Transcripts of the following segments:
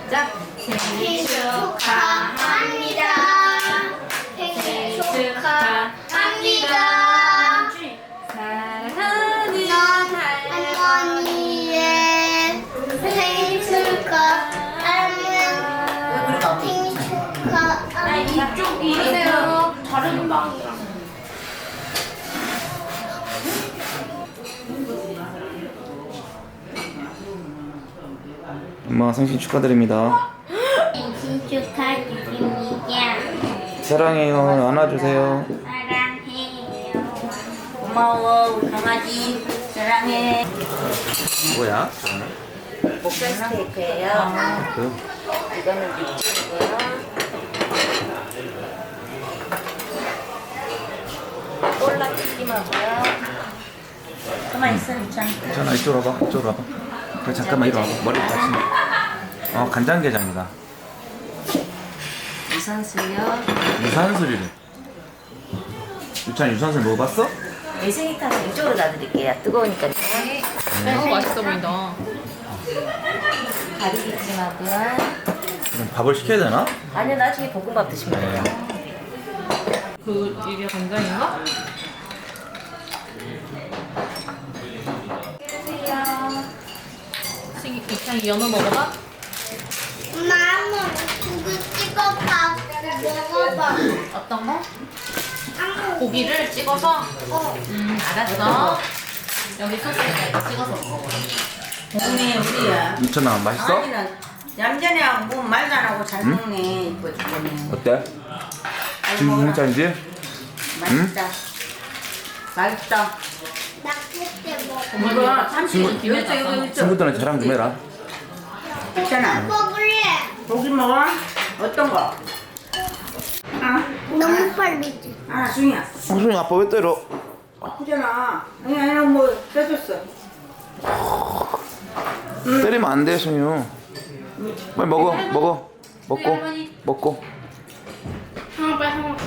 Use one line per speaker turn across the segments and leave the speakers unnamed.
시작. 생일 축하합니다. 생일 축하합니다. 사랑하는
할머니의 생일 축하합니다. 생일 축하합니다.
이쪽 이세요. 다른 방이랑.
엄마 생신 축하드립니다.
생일 축하드립니다.
사랑해요. 안아주세요.
사랑해요. 고마워 우리 강아지 사랑해.
뭐야?
목살 스테이크예요.
그
이거는 육즙이고요. 콜라 튀김하고요. 가만 있어 유찬.
괜찮아. 이쪽으로 와봐. 이쪽으로 와봐. 그래 잠깐만 이리 와봐. 머리 다치네. 간장게장이다.
유산슬요.
유산슬이래. 유찬 유산슬 먹어봤어?
매생이탕은 이쪽으로 놔드릴게요. 뜨거우니까요.
맛있어 보인다.
가리비찜하고요.
그럼 밥을 시켜야 되나?
아니요 나중에 볶음밥 드시면 돼요.
이게 간장인가? 이창이 연어 먹어봐?
엄마 한번 고기 찍어봐. 먹어봐.
어떤 거?
한번.
고기를 찍어서? 알았어. 여기 소스에다 이거 찍어서 먹어.
먹네 우리야.
유찬아 맛있어?
아니는 얌전히 하고 뭐 말도 안 하고 잘 먹네. 이거 죽겠네.
어때? 지금 무슨 짠이지?
맛있다. 맛있다.
나 그때 먹어.
이거 30분
김에
이거 이거
친구들은 자랑 좀 해라.
있잖아.
먹을래.
고기 먹어? 어떤 거? 아,
너무 빨리지.
아, 중이야.
무슨 아빠 왜 때려?
아프잖아. 아니 뭐 뺏었어.
때리면 안 돼, 승유. 빨리 먹어, 먹어. 먹고, 먹고.
하나 빨리 하나.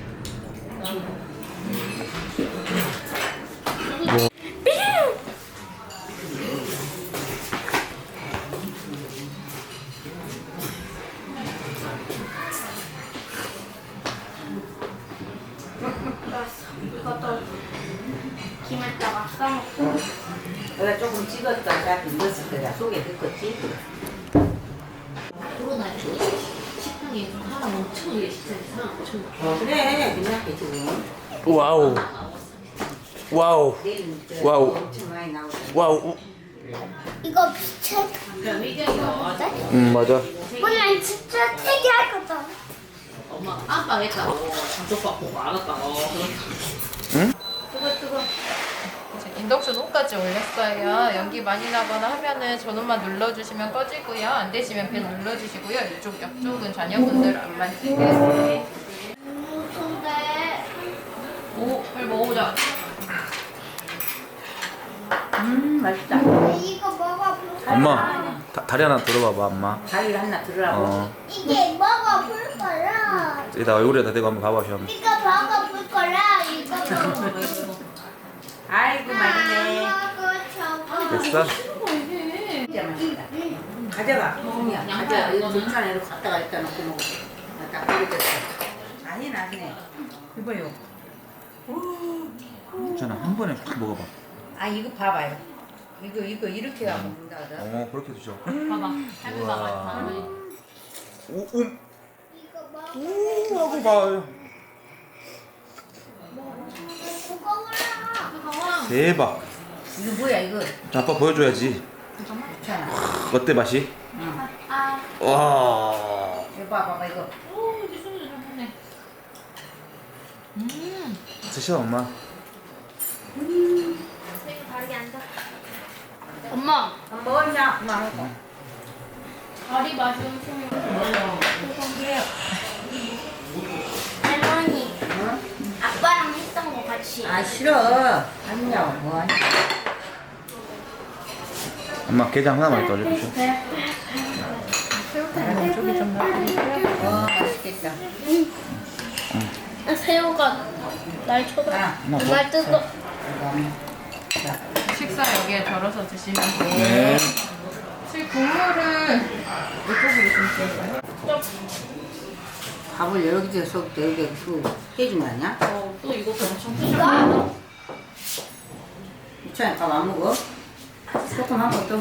김에다가 싸먹고.
내가 조금 찍었다. 나 넣었을 거야. 속에 넣었지.
코로나 식당에 하나 엄청 이게 식당에 사람 엄청
그래. 그냥 지금.
와우. 와우.
내일
와우.
엄청 많이 나오고.
와우.
이거 비춰.
그냥 의견이가
맞아.
오늘 진짜 특이할 거다.
엄마 아빠 했다고 장족받고 안 왔다고.
응?
뜨거. 인덕션 홈까지 올렸어요. 연기 많이 나거나 하면은 전원만 눌러주시면 꺼지고요. 안 되시면 벨 눌러주시고요. 이쪽 옆쪽은 자녀분들 안 만지게.
무슨데?
오, 빨리 먹어보자.
맛있다.
이거 먹어볼.
엄마, 다리 하나 들어봐봐, 엄마.
다리 하나 들으라고.
이게 먹어볼 거라.
여기다 얼굴에다 대고 한번 봐봐, 시험.
이거 먹어볼 거라. 이거 먹어볼
아이고 맛있네.
저거.
됐어?
진짜 맛있다. 가져가. 종이야. 가져가. 이거 괜찮아. 이렇게 갖다가 일단 놓고 먹어. 딱 버려졌어. 아니 나네. 이봐요.
괜찮아, 한 번에 확 먹어봐.
아 이거 봐봐요. 이거 이렇게 하고 먹는다.
그렇게 드셔.
봐봐. 할머니 봐봐.
우와.
할머니.
오,
이거 먹어.
하고 봐요.
먹어보라.
대박.
이거 뭐야 이거?
자, 아빠 보여줘야지.
괜찮아.
어때, 맛이?
응.
와.
이거 봐봐 이거.
오, 이제 손이 잘 보네.
드셔, 엄마.
다리 앉아.
엄마,
안 먹었냐? 엄마 먹어.
다리 맛이 엄청.
할머니. 아빠랑 했던 거 같이.
아 싫어. 아니냐고 뭐하냐.
엄마, 게장 하나만 더 올려주셔.
저기 좀 놔드릴게요. 맛있겠다.
새우가 날 쳐다.
하나.
날 뜯어.
자,
식사 여기에 덜어서 드시면 돼요.
네.
실 국물을 이쪽으로 좀 줄까요?
밥을 여러 개 줘서 여러 개 해준 거 아니야?
또 이것도 엄청 크죠?
유찬이 밥 안 먹어? 조금 하고 또